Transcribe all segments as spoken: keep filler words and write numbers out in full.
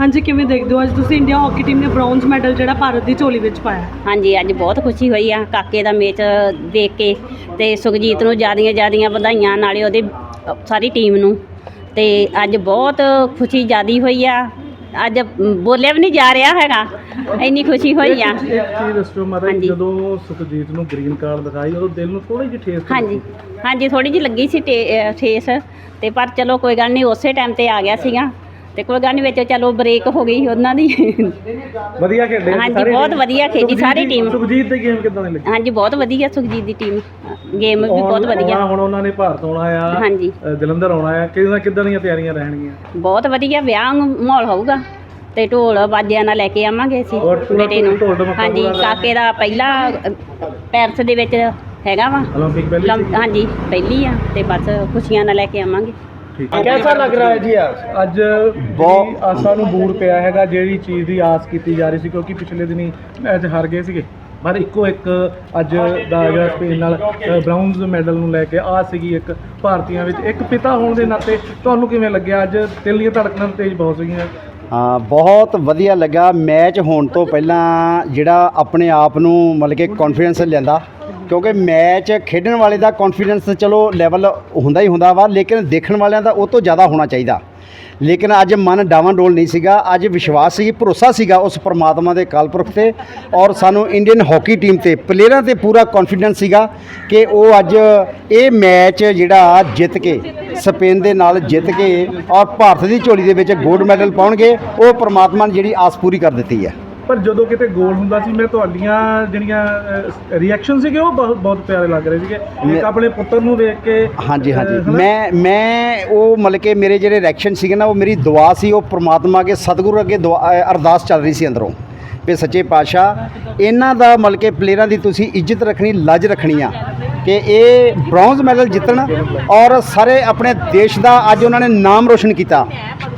हाँ जी, किवें देखदे हो अज तुसीं इंडिया हॉकी टीम ने ब्रॉन्ज मैडल जिहड़ा भारत की झोली विच पाया? हाँ जी, अज बहुत खुशी हुई आ काके दा मैच देख के ते सुखजीत नूं ज़्यादियां ज़्यादियां वधाइयां नाले ओहदी सारी टीम नूं ते अज बहुत खुशी ज़्यादा हुई आ। अज बोलिया भी नहीं जा रहा हैगा, इन्नी खुशी हुई आ। हाँ जी ਜਦੋਂ ਸੁਖਜੀਤ ਨੂੰ ਗ੍ਰੀਨ ਕਾਰਡ ਦਿਖਾਈ ਉਦੋਂ ਦਿਲ ਨੂੰ ਥੋੜੀ ਜਿਹੀ ਠੇਸ हाँ जी हाँ जी थोड़ी जी लगी सी टे- ठेस ते पर चलो कोई गल नहीं, उस टाइम ते आ गया सीगा ते कोई गल नहीं, विच चलो ब्रेक हो गई उन्हां दी। ਵਧੀਆ ਖੇਡੇ हाँ जी बहुत वधिया खेडी सारी टीम। ਸੁਖਜੀਤ ਦੀ ਗੇਮ ਕਿੱਦਾਂ ਦੀ ਲੱਗੀ? हाँ जी बहुत वधिया सुखजीत दी टीम गेम भी बहुत वधिया। ਹੁਣ ਉਹਨਾਂ ਨੇ ਭਾਰਤ ਆਉਣਾ ਆ, हाँ जी ਜਲੰਧਰ ਆਉਣਾ ਆ, ਕਿਦਾਂ ਕਿਦਾਂ ਦੀਆਂ ਤਿਆਰੀਆਂ ਰਹਿਣਗੀਆਂ? बहुत वधिया ਵਿਆਹ ਮਾਹੌਲ ਹੋਊਗਾ ਤੇ ਢੋਲ ਬਾਜਿਆਂ ਨਾਲ ਲੈ ਕੇ ਆਵਾਂਗੇ ਅਸੀਂ ਬੇਟੇ ਨੂੰ। हाँ जी ਕਾਕੇ ਦਾ ਪਹਿਲਾ ਪੈਰਿਸ ਦੇ ਵਿੱਚ ਹੈਗਾ ਵਾ ओलंपिक पहले ਲੰ- हाँ जी ਪਹਿਲੀ ਆ ਤੇ ਬਸ ਖੁਸ਼ੀਆਂ ਨਾਲ ਲੈ ਕੇ ਆਵਾਂਗੇ। कैसा लग रहा है जी आज ਅੱਜ ਬਹੁਤ ਆਸਾਂ ਨੂੰ ਬੂਰ ਪਿਆ ਹੈਗਾ, ਜਿਹੜੀ ਚੀਜ਼ ਦੀ ਆਸ ਕੀਤੀ ਜਾ ਰਹੀ ਸੀ, ਕਿਉਂਕਿ ਪਿਛਲੇ ਦਿਨੀ ਮੈਚ ਹਾਰ ਗਏ ਸੀਗੇ, ਪਰ ਇੱਕੋ ਇੱਕ ਅੱਜ ਦਾ ਜਿਹੜਾ ਸਪੇਨ ਨਾਲ ਬ੍ਰਾਊਨਜ਼ ਮੈਡਲ ਨੂੰ ਲੈ ਕੇ ਆਸ ਸੀਗੀ ਇੱਕ ਭਾਰਤੀਆਂ ਵਿੱਚ। ਇੱਕ ਪਿਤਾ ਹੋਣ ਦੇ ਨਾਤੇ ਤੁਹਾਨੂੰ ਕਿਵੇਂ ਲੱਗਿਆ? ਅੱਜ ਦਿਲ ਦੀਆਂ ਧੜਕਣਾਂ ਤੇਜ਼ ਬਹੁਤ ਸੀਗੀਆਂ। ਹਾਂ ਬਹੁਤ ਵਧੀਆ ਲੱਗਾ। ਮੈਚ ਹੋਣ ਤੋਂ ਪਹਿਲਾਂ ਜਿਹੜਾ ਆਪਣੇ ਆਪ ਨੂੰ ਮਤਲਬ ਕਿ ਕੌਨਫੀਡੈਂਸ ਲੈਂਦਾ, ਕਿਉਂਕਿ ਮੈਚ ਖੇਡਣ ਵਾਲੇ ਦਾ ਕੌਨਫੀਡੈਂਸ ਚਲੋ ਲੈਵਲ ਹੁੰਦਾ ਹੀ ਹੁੰਦਾ ਵਾ, ਲੇਕਿਨ ਦੇਖਣ ਵਾਲਿਆਂ ਦਾ ਉਹ ਤੋਂ ਜ਼ਿਆਦਾ ਹੋਣਾ ਚਾਹੀਦਾ। ਲੇਕਿਨ ਅੱਜ ਮਨ ਡਾਵਾਂਡੋਲ ਨਹੀਂ ਸੀਗਾ, ਅੱਜ ਵਿਸ਼ਵਾਸ ਸੀ, ਭਰੋਸਾ ਸੀਗਾ ਉਸ ਪਰਮਾਤਮਾ ਦੇ ਕਾਲਪੁਰਖ ਤੇ, ਔਰ ਸਾਨੂੰ ਇੰਡੀਅਨ ਹਾਕੀ ਟੀਮ ਤੇ ਪਲੇਅਰਾਂ ਤੇ ਪੂਰਾ ਕੌਨਫੀਡੈਂਸ ਸੀਗਾ ਕਿ ਉਹ ਅੱਜ ਇਹ ਮੈਚ ਜਿਹੜਾ ਜਿੱਤ ਕੇ ਸਪੇਨ ਦੇ ਨਾਲ ਜਿੱਤ ਕੇ ਔਰ ਭਾਰਤ ਦੀ ਝੋਲੀ ਦੇ ਵਿੱਚ ਗੋਲਡ ਮੈਡਲ ਪਾਉਣਗੇ। ਉਹ ਪਰਮਾਤਮਾ ਨੇ ਜਿਹੜੀ ਆਸ ਪੂਰੀ ਕਰ ਦਿੱਤੀ ਹੈ। ਪਰ ਜਦੋਂ ਕਿਤੇ ਗੋਲ ਹੁੰਦਾ ਸੀ, ਮੈਂ ਤੁਹਾਡੀਆਂ ਜਿਹੜੀਆਂ ਰਿਐਕਸ਼ਨ ਸੀਗੇ ਉਹ ਬਹੁਤ ਬਹੁਤ ਪਿਆਰੇ ਲੱਗ ਰਹੇ ਸੀਗੇ, ਇੱਕ ਆਪਣੇ ਪੁੱਤਰ ਨੂੰ ਦੇਖ ਕੇ। ਹਾਂਜੀ ਹਾਂਜੀ ਮੈਂ ਮੈਂ ਉਹ ਮਤਲਬ ਕਿ ਮੇਰੇ ਜਿਹੜੇ ਰਿਐਕਸ਼ਨ ਸੀਗੇ ਨਾ, ਉਹ ਮੇਰੀ ਦੁਆ ਸੀ, ਉਹ ਪ੍ਰਮਾਤਮਾ ਅੱਗੇ ਸਤਿਗੁਰੂ ਅੱਗੇ ਦੁਆ ਅਰਦਾਸ ਚੱਲ ਰਹੀ ਸੀ ਅੰਦਰੋਂ ਵੀ ਸੱਚੇ ਪਾਤਸ਼ਾਹ ਇਹਨਾਂ ਦਾ ਮਤਲਬ ਕਿ ਪਲੇਅਰਾਂ ਦੀ ਤੁਸੀਂ ਇੱਜ਼ਤ ਰੱਖਣੀ, ਲੱਜ ਰੱਖਣੀ ਆ ਕਿ ਇਹ ਬ੍ਰੌਂਜ਼ ਮੈਡਲ ਜਿੱਤਣ ਔਰ ਸਾਰੇ ਆਪਣੇ ਦੇਸ਼ ਦਾ ਅੱਜ ਉਹਨਾਂ ਨੇ ਨਾਮ ਰੋਸ਼ਨ ਕੀਤਾ।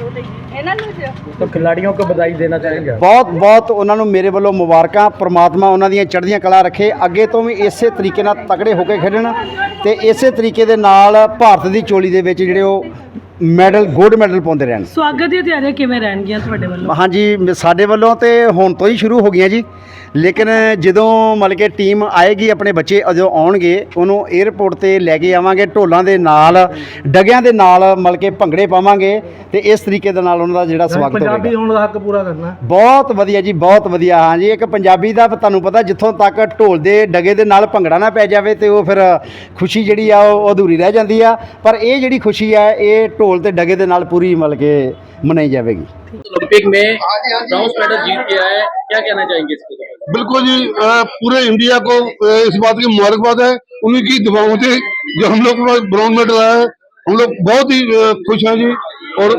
तो खिलाड़ियों को बधाई देना चाहेंगे? ਬਹੁਤ ਬਹੁਤ ਉਹਨਾਂ ਨੂੰ ਮੇਰੇ ਵੱਲੋਂ ਮੁਬਾਰਕਾਂ। ਪ੍ਰਮਾਤਮਾ ਉਹਨਾਂ ਦੀਆਂ ਚੜ੍ਹਦੀਆਂ ਕਲਾ ਰੱਖੇ, ਅੱਗੇ ਤੋਂ ਵੀ ਇਸੇ ਤਰੀਕੇ ਨਾਲ ਤਕੜੇ ਹੋ ਕੇ ਖੇਡਣ ਤੇ ਇਸੇ ਤਰੀਕੇ ਦੇ ਨਾਲ ਭਾਰਤ ਦੀ ਝੋਲੀ ਦੇ ਵਿੱਚ ਜਿਹੜੇ ਉਹ ਮੈਡਲ ਗੋਲਡ ਮੈਡਲ ਪਾਉਂਦੇ ਰਹਿਣ। ਸਵਾਗਤ ਦੀਆਂ ਤਿਆਰੀਆਂ ਕਿਵੇਂ ਰਹਿਣਗੀਆਂ ਤੁਹਾਡੇ ਵੱਲੋਂ? ਹਾਂਜੀ ਸਾਡੇ ਵੱਲੋਂ ਤੇ ਹੁਣ ਤੋਂ ਹੀ ਸ਼ੁਰੂ ਹੋ ਗਈਆਂ ਜੀ, ਲੇਕਿਨ ਜਦੋਂ ਮਤਲਬ ਕਿ ਟੀਮ ਆਏਗੀ, ਆਪਣੇ ਬੱਚੇ ਜਦੋਂ ਆਉਣਗੇ ਉਹਨੂੰ 에ਅਰਪੋਰਟ ਤੇ ਲੈ ਕੇ ਆਵਾਂਗੇ, ਢੋਲਾਂ ਦੇ ਨਾਲ ਡਗਿਆਂ ਦੇ ਨਾਲ ਮਤਲਬ ਕਿ ਭੰਗੜੇ ਪਾਵਾਂਗੇ ਤੇ ਇਸ ਤਰੀਕੇ ਦੇ ਨਾਲ ਉਹਨਾਂ ਦਾ ਜਿਹੜਾ ਸਵਾਗਤ ਹੋਵੇਗਾ। ਪੰਜਾਬੀ ਹੋਣ ਦਾ ਹੱਕ ਪੂਰਾ ਕਰਨਾ। ਬਹੁਤ ਵਧੀਆ ਜੀ, ਬਹੁਤ ਵਧੀਆ। ਹਾਂ ਜੀ ਇੱਕ ਪੰਜਾਬੀ ਦਾ ਤੁਹਾਨੂੰ ਪਤਾ, ਜਿੱਥੋਂ ਤੱਕ ਢੋਲ ਦੇ ਡਗੇ ਦੇ ਨਾਲ ਭੰਗੜਾ ਨਾ ਪੈ ਜਾਵੇ ਤੇ ਉਹ ਫਿਰ ਖੁਸ਼ੀ ਜਿਹੜੀ ਆ ਉਹ ਅਧੂਰੀ ਰਹਿ ਜਾਂਦੀ ਆ, ਪਰ ਇਹ ਜਿਹੜੀ ਖੁਸ਼ੀ ਆ ਇਹ ਢੋਲ ਤੇ ਡਗੇ ਦੇ ਨਾਲ ਪੂਰੀ ਮਤਲਬ ਕਿ ਮਨਾਈ जाएगी। ओलंपिक में ब्रॉन्ज मेडल जीत के आए, क्या कहना चाहेंगे इसके बारे में? बिल्कुल जी, पूरे इंडिया को इस बात की मुबारकबाद है, उन्हीं की दुआओं से जो हम लोग को ब्रॉन्ज मेडल आया है। हम लोग बहुत ही खुश हैं जी, और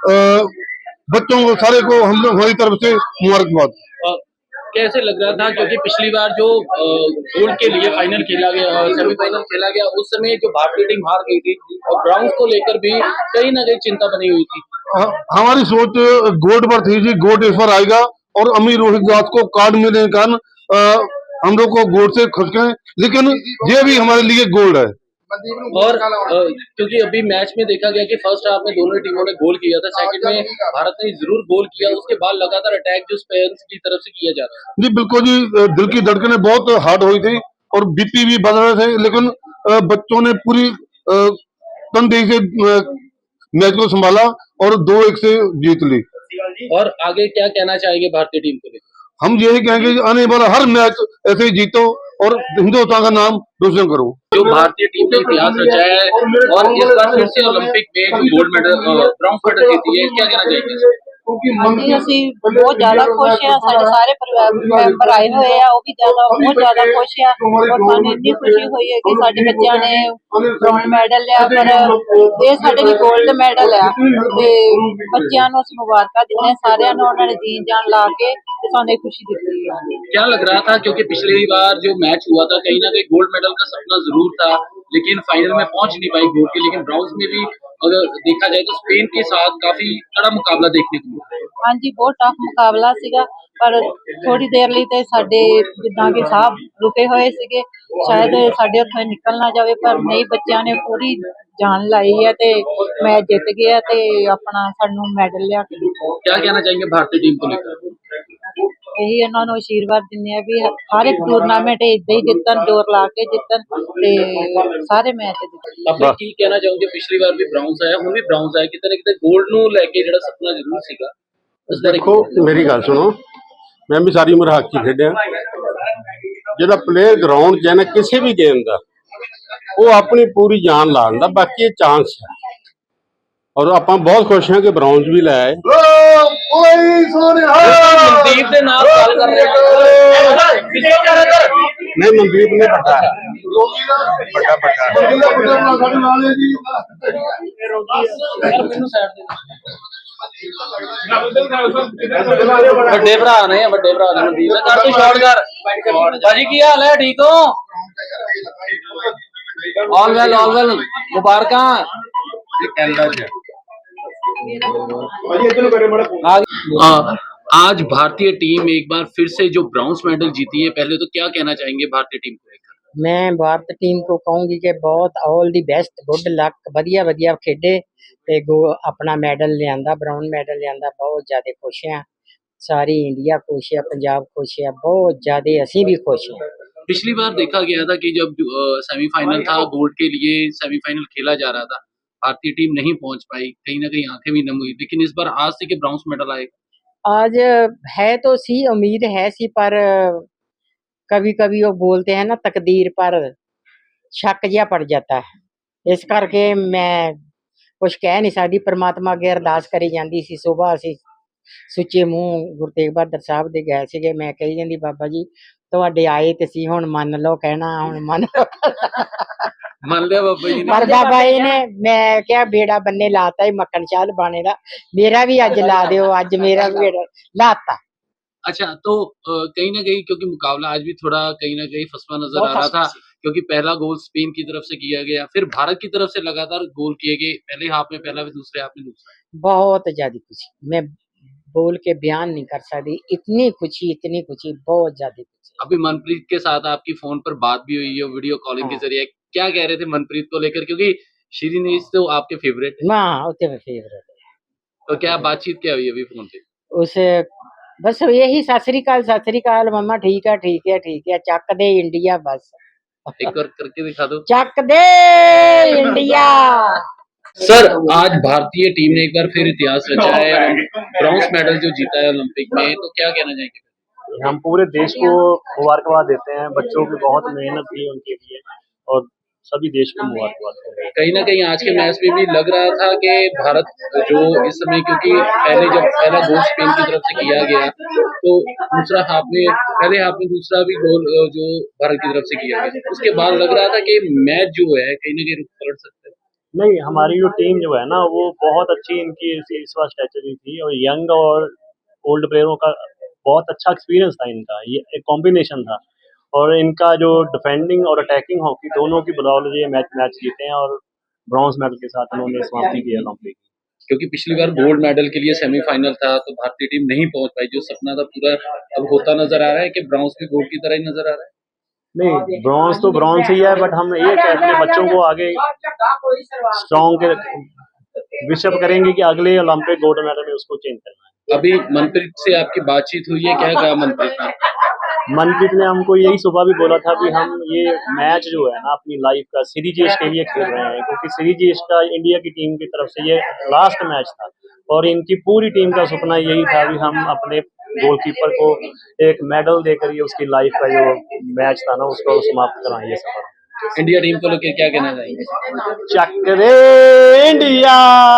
बच्चों को सारे को हम लोग हमारी तरफ से मुबारकबाद। कैसे लग रहा था, क्योंकि पिछली बार जो गोल्ड के लिए फाइनल खेला गया, सेमीफाइनल खेला गया, उस समय जो भारतीय टीम हार गई थी और ब्रॉन्ज को लेकर भी कहीं ना कहीं चिंता बनी हुई थी। हमारी सोच गोल्ड पर थी जी, गोल्ड इस बार आएगा, और अमीर रोहित दास को कार्ड मिलने के कारण हम लोग को गोल्ड से खुश हैं, लेकिन ये भी हमारे लिए गोल्ड है। और क्योंकि अभी मैच में देखा गया कि फर्स्ट हाफ में दोनों टीमों ने गोल किया था, सेकंड में भारत ने जरूर गोल किया, उसके बाद लगातार अटैक जो स्पेन की तरफ से किया जा रहा है। जी बिल्कुल जी, दिल की धड़कनें बहुत हार्ड हुई थी और बीपी भी बढ़ रहे थे, लेकिन बच्चों ने पूरी तनदेही से मैच को संभाला और दो एक से जीत ली। और आगे क्या कहना चाहेंगे भारतीय टीम को लेकर? हम यही कहेंगे आने वाला हर मैच ऐसे ही जीतो और हिंदुस्तान का नाम रोशन करो। जो भारतीय टीम ने इतिहास रचा है और इस बार फिर से ओलंपिक में गोल्ड मेडल ब्रॉन्ज मेडल जीती है, क्या कहना चाहेंगे? ਹਾਂਜੀ ਅਸੀਂ ਬਹੁਤ ਜ਼ਿਆਦਾ ਖੁਸ਼ ਆ, ਸਾਡੇ ਸਾਰੇ ਪਰਿਵਾਰ ਮੈਂਬਰ ਆਏ ਹੋਏ ਆ, ਉਹ ਵੀ ਜ਼ਿਆਦਾ ਬਹੁਤ ਜ਼ਿਆਦਾ ਖੁਸ਼ ਆ, ਔਰ ਸਾਨੂੰ ਇੰਨੀ ਖੁਸ਼ੀ ਹੋਈ ਹੈ ਕਿ ਸਾਡੇ ਬੱਚਿਆਂ ਨੇ ਬ੍ਰੌਂਜ ਮੈਡਲ ਲਿਆ, ਪਰ ਇਹ ਸਾਡੇ ਲਈ ਗੋਲਡ ਮੈਡਲ ਆ ਤੇ ਬੱਚਿਆਂ ਨੂੰ ਅਸੀਂ ਮੁਬਾਰਕਾਂ ਦਿੰਦੇ ਸਾਰਿਆਂ ਨੂੰ, ਉਹਨਾਂ ਨੇ ਜੀਣ ਜਾਨ ਲਾ ਕੇ ਤੇ ਸਾਨੂੰ ਇਹ ਖੁਸ਼ੀ ਦਿੱਤੀ ਹੈ। क्या लग रहा था, क्योंकि पिछली बार जो मैच हुआ था कहीं ना कहीं गोल्ड मेडल का सपना जरूर था, लेकिन फाइनल में पहुंच नहीं पाई गोल्ड के, लेकिन ब्रॉन्ज में भी अगर देखा जाए तो स्पेन के साथ काफी कड़ा मुकाबला देखने को मिला। हाँ जी बहुत टफ मुकाबला सीगा, पर थोड़ी देर ਲਈ ਤੇ ਸਾਡੇ ਜਿੱਦਾਂ ਕਿ ਸਾਹ ਰੁਕੇ ਹੋਏ ਸੀਗੇ, ਸ਼ਾਇਦ ਸਾਡੇ ਹੱਥੋਂ ਨਿਕਲ ਨਾ ਜਾਵੇ, ਪਰ ਨਹੀਂ ਬੱਚਿਆਂ ਨੇ ਪੂਰੀ ਜਾਨ ਲਾਈ ਹੈ ਤੇ ਮੈਚ ਜਿੱਤ ਗਿਆ ਤੇ ਆਪਣਾ ਸਾਨੂੰ ਮੈਡਲ ਲਿਆ ਕੇ ਦਿੱਤਾ। क्या कहना चाहेंगे भारतीय टीम को लेकर? ਇਹੀ ਉਹਨਾਂ ਨੂੰ ਆਸ਼ੀਰਵਾਦ ਦਿੰਦੇ ਆ ਵੀ ਹਰ ਇੱਕ ਟੂਰਨਾਮੈਂਟ ਇਦਾਂ ਹੀ ਜਿੱਤਣ, ਜ਼ੋਰ ਲਾ ਕੇ ਜਿੱਤਣ ਤੇ ਸਾਰੇ ਮੈਚ ਜਿੱਤਣ। ਆਪਾਂ ਕੀ ਕਹਿਣਾ ਚਾਹੋਗੇ? ਪਿਛਲੀ ਵਾਰ ਵੀ ਬ੍ਰਾਊਨਸ ਆਇਆ, ਹੁਣ ਵੀ ਬ੍ਰਾਊਨਸ ਆਇਆ, ਕਿਤੇ ਨਾ ਕਿਤੇ 골ਡ ਨੂੰ ਲੈ ਕੇ ਜਿਹੜਾ ਸੁਪਨਾ ਜ਼ਰੂਰ ਸੀਗਾ। ਉਸ ਬਾਰੇ ਦੇਖੋ ਮੇਰੀ ਗੱਲ ਸੁਣੋ, ਮੈਂ ਵੀ ਸਾਰੀ ਉਮਰ ਹਾਕੀ ਖੇਡਿਆ। ਜਿਹੜਾ ਪਲੇਅਰ ਗਰਾਊਂਡ 'ਚ ਹੈ ਨਾ ਕਿਸੇ ਵੀ ਗੇਮ ਦਾ, ਉਹ ਆਪਣੀ ਪੂਰੀ ਜਾਨ ਲਾ ਦਿੰਦਾ, ਬਾਕੀ ਇਹ ਚਾਂਸ ਹੈ। ਔਰ ਆਪਾਂ ਬਹੁਤ ਖੁਸ਼ ਹਾਂ ਕਿ ਬ੍ਰਾਊਨਸ ਵੀ ਲੈ ਆਏ। ਮਨਦੀਪ ਦੇ ਨਾਲ ਗੱਲ ਕਰ ਰਹੇ ਨਹੀਂ, ਮਨਦੀਪ ਨੇ ਵੱਡਾ ਹੈ, ਵੱਡਾ ਵੱਡਾ ਮੈਨੂੰ ਸਾਈਡ ਦੇ ਵੱਡੇ ਭਰਾ ਨੇ ਵੱਡੇ ਭਰਾ ਨੇ ਮਨਦੀਪ ਦਾ ਕਰ ਤੂੰ ਸ਼ਾਟ ਕਰ ਭਾਜੀ। ਕੀ ਹਾਲ ਹੈ? ਠੀਕ ਹੋ? ਆਲ ਵੈਲ ਆਲ ਵੈਲ, ਮੁਬਾਰਕਾਂ। आज भारतीय टीम एक बार फिर से जो ब्रॉन्ज मेडल जीती है, पहले तो क्या कहना चाहेंगे भारतीय टीम को लेकर? मैं भारत टीम को कहूँगी कि बहुत all the best, good luck, वधिया वधिया खेडे ते गो अपना मैडल लियांदा, ब्राउन मैडल लियांदा। बहुत ज़्यादा खुश हैं, सारी इंडिया खुश है, पंजाब खुश है, बहुत ज़्यादा असी भी खुश हैं। पिछली बार देखा गया था कि जब सेमीफाइनल था, गोल्ड के लिए सेमीफाइनल खेला जा रहा था, भारतीय टीम नहीं पहुंच पाई, कहीं ना कहीं आंखें भी नम हुई, लेकिन इस बार आज से कि ब्रॉन्ज मेडल आएगा। आज है तो सी उम्मीद है सी, पर कभी कभी वो बोलते हैं ना तकदीर पर शक जिहा पड़ जाता है। इस करके मैं कुछ कह नहीं सकती। परमात्मा अगे अरदास करी जाती सी। सुबह असी सुच्चे मूँह गुरु तेग बहादुर साहब दे गए सीगे, मैं कही जाती बाबा जी तुहाडे आए ते सी, हुण मन लो कहना, हुण मन लो मान लिया बाबा जी ने। पर बाबा जी ने, मैं क्या बेड़ा बन्ने लाता ही मक्खन शाह बाने दा, मेरा भी अज ला दियो, अज मेरा भी बेड़ा लाता। अच्छा, तो अ, कहीं ना कहीं क्योंकि मुकाबला आज भी थोड़ा कहीं ना कहीं फसवा नजर आ रहा था, क्योंकि पहला गोल स्पेन की तरफ से किया गया, फिर भारत की तरफ से लगातार गोल किए गए, पहले हाफ में पहला, फिर दूसरे हाफ में दूसरा। बहुत ज्यादा खुशी, मैं बोल के बयान नहीं कर सकती, इतनी खुशी इतनी खुशी, बहुत ज्यादा खुशी। अभी मनप्रीत के साथ आपकी फोन पर बात भी हुई है, वीडियो कॉलिंग के जरिए, क्या कह रहे थे मनप्रीत को लेकर? क्योंकि श्रीनीश तो आपके फेवरेट है, हाँ उते में फेवरेट है। तो क्या बातचीत क्या हुई अभी फोन पे? उसे बस यही सत श्री अकाल, सत श्री अकाल मम्मा, ठीक है ठीक है ठीक है, चक दे इंडिया, बस एक बार करके दिखा दो। चक दे इंडिया। सर, आज भारतीय टीम ने एक बार फिर इतिहास रचा है, ब्रॉन्ज मेडल जो जीता है ओलंपिक में, तो क्या कहना चाहेंगे? हम पूरे देश को मुबारकबाद देते हैं, बच्चों की बहुत मेहनत की उनके लिए, और सभी देश को मुबारकबाद देते हैं। कहीं ना कहीं आज के मैच में भी लग रहा था कि भारत जो इस समय, क्योंकि पहले जब पहला गोल स्पेन की तरफ से किया गया, तो दूसरा हाफ में, पहले हाफ में दूसरा भी गोल जो भारत की तरफ से किया गया, उसके बाद लग रहा था कि मैच जो है कहीं ना कहीं पलट सकता है। नहीं, हमारी जो टीम जो है ना, वो बहुत अच्छी इनकी इस बार स्ट्रेटजी थी, और यंग और ओल्ड प्लेयरों का बहुत अच्छा एक्सपीरियंस था इनका, ये एक कॉम्बिनेशन था, और इनका जो डिफेंडिंग और अटैकिंग हॉकी दोनों की बदौलत ये मैच मैच जीते हैं, और ब्रॉन्ज मेडल के साथ उन्होंने समाप्ति की है ओलंपिक। क्योंकि पिछली बार गोल्ड मेडल के लिए सेमीफाइनल था, तो भारतीय टीम नहीं पहुंच पाई, जो सपना था पूरा अब होता नजर आ रहा है कि ब्रॉन्ज भी गोल्ड की तरह ही नजर आ रहा है। नहीं, ब्रॉन्ज तो ब्रॉन्ज ही है, बट हम ये कहते हैं बच्चों को आगे स्ट्रॉन्ग विशअप करेंगे कि अगले ओलंपिक गोल्ड मेडल में उसको चेंज करना है। अभी मनप्रीत से आपकी बातचीत हुई है, क्या कहा मनप्रीत ने? मनप्रीत ने हमको यही सुबह भी बोला था कि हम ये मैच जो है ना अपनी लाइफ का सीरीज के लिए खेल रहे हैं, क्योंकि सीरीज का इंडिया की टीम की तरफ से ये लास्ट मैच था, और इनकी पूरी टीम का सपना यही था कि हम अपने गोलकीपर को एक मेडल देकर ये उसकी लाइफ का जो मैच था ना उसको समाप्त कराएं। ये सफर इंडिया टीम को लेकर क्या कहना चाहेंगे? चक दे इंडिया।